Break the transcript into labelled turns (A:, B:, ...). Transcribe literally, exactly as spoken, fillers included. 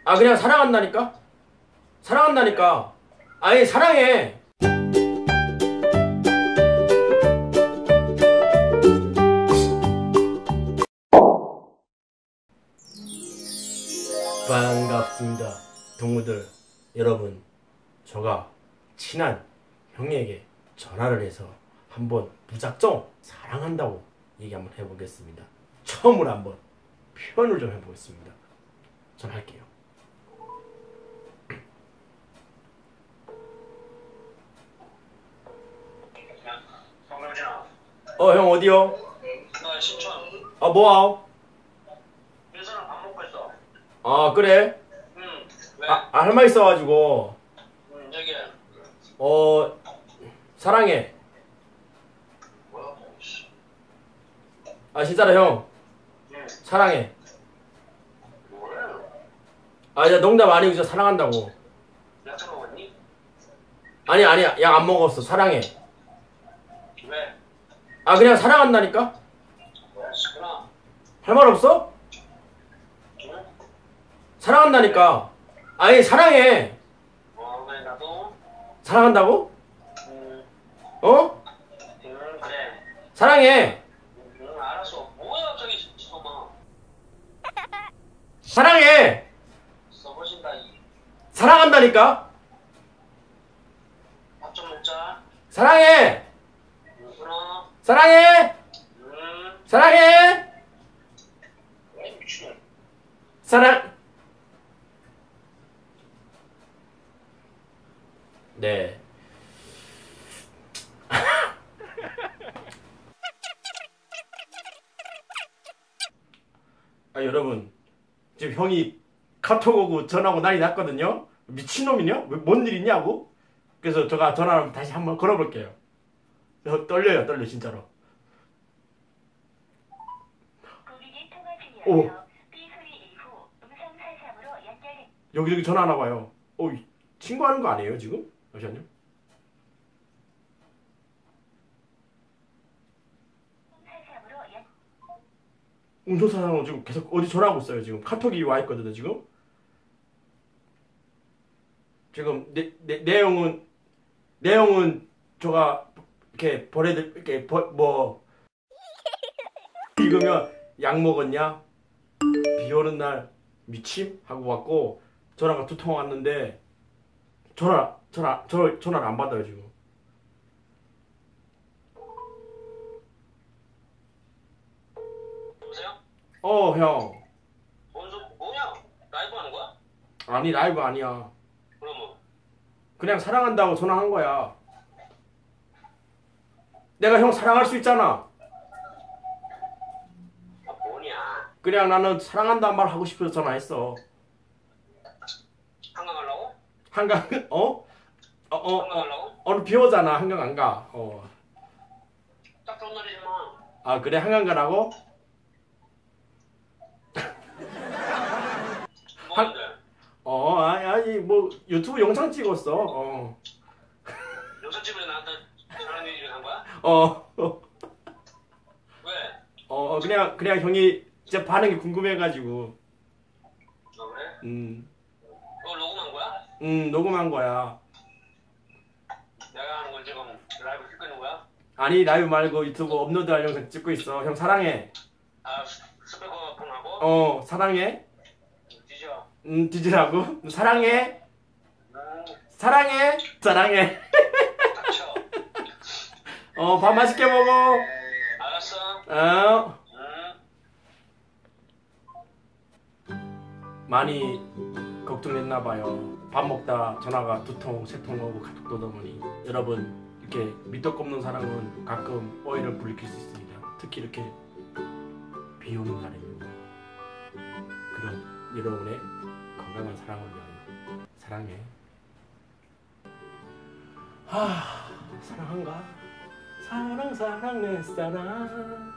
A: 아 그냥 사랑한다니까? 사랑한다니까. 아니 사랑해. 반갑습니다 동무들 여러분. 저가 친한 형에게 전화를 해서 한번 무작정 사랑한다고 얘기 한번 해보겠습니다. 처음으로 한번 표현을 좀 해보겠습니다. 전화할게요. 어 형 어디요?
B: 나 신촌.
A: 아 뭐하오?
B: 민서랑 밥 먹고 있어.
A: 아 그래?
B: 응. 왜?
A: 아, 아 할 말 있어가지고.
B: 응 저기.
A: 어 사랑해.
B: 뭐야?
A: 아 진짜로 형.
B: 응.
A: 사랑해.
B: 뭐야?
A: 아 진짜 농담 아니고 진짜 사랑한다고.
B: 약속 먹었니?
A: 아니 아니야 약 안 먹었어. 사랑해.
B: 왜?
A: 아 그냥 사랑한다니까?
B: 뭐야 시끄러.
A: 할 말 없어?
B: 응?
A: 사랑한다니까. 아니 사랑해.
B: 어 그래 나도.
A: 사랑한다고?
B: 응.
A: 어?
B: 응 그래.
A: 사랑해.
B: 응 알았어. 뭐야 갑자기 시커먼.
A: 사랑해.
B: 써보신다 이.
A: 사랑한다니까?
B: 밥 좀 먹자.
A: 사랑해.
B: 응 끊어.
A: 사랑해.
B: 응.
A: 사랑해.
B: 왜 미친놈.
A: 사랑. 네. 아 여러분 지금 형이 카톡 오고 전화하고 난리 났거든요. 미친놈이냐? 왜, 뭔 일 있냐고? 그래서 제가 전화를 다시 한번 걸어볼게요. 어, 떨려요 떨려 진짜로. 오 여기 여기 전화 하나 봐요. 어 친구하는 거 아니에요 지금? 잠시만요. 운전사장은 지금 계속 어디 전화하고 있어요. 지금 카톡이 와 있거든요. 지금 지금 내, 내, 내용은 내용은 제가 이렇게 보내드 이렇게 버, 뭐 읽으면 약 먹었냐? 비 오는 날 미침 하고 왔고 전화가 두 통 왔는데 전화 전화 저 전화를 안 받아요 지금.
B: 여보세요?
A: 어 형.
B: 뭔 소, 뭐냐? 라이브 하는 거야?
A: 아니 라이브 아니야.
B: 그럼 뭐?
A: 그냥 사랑한다고 전화한 거야. 내가 형 사랑할 수 있잖아.
B: 아 뭐냐?
A: 그냥 나는 사랑한다는 말 하고 싶어서 전화했어.
B: 한강 가려고?
A: 한강 어? 어, 어,
B: 한강
A: 어,
B: 가려고?
A: 오늘 비 오잖아. 한강 안 가. 어.
B: 딱 좋은 날이지만.
A: 아 그래 한강 가라고?
B: 뭐하는데?
A: 어 아니 아니 뭐 유튜브 영상 찍었어. 어.
B: 요새집에 나한테 사랑 얘기를 한 거야?
A: 어. 어,
B: 왜?
A: 어 그냥 그냥 형이 진짜 반응이 궁금해가지고.
B: 너 그래?
A: 음.
B: 너 녹음한 거야?
A: 음 녹음한 거야.
B: 내가 하는 건 지금 라이브 찍고 있는 거야?
A: 아니 라이브 말고 유튜브 업로드할 영상 찍고 있어. 형 사랑해.
B: 아 스- 스피커 폰하고?
A: 어 사랑해.
B: 뒤져.
A: 음 뒤지라고? 사랑해.
B: 음,
A: 사랑해. 사랑해.
B: 닥쳐.
A: 어 밥 맛있게 먹어.
B: 알았어.
A: 어.
B: 음.
A: 많이 걱정했나봐요. 밥 먹다 전화가 두 통, 세 통 오고 카톡도 오다 보니 여러분 이렇게 밑도 없는 사랑은 가끔 오해를 불리킬 수 있습니다. 특히 이렇게 비 오는 날에는 그런 여러분의 건강한 사랑을 위하여 사랑해. 하 사랑한가? 사랑 사랑 내 사랑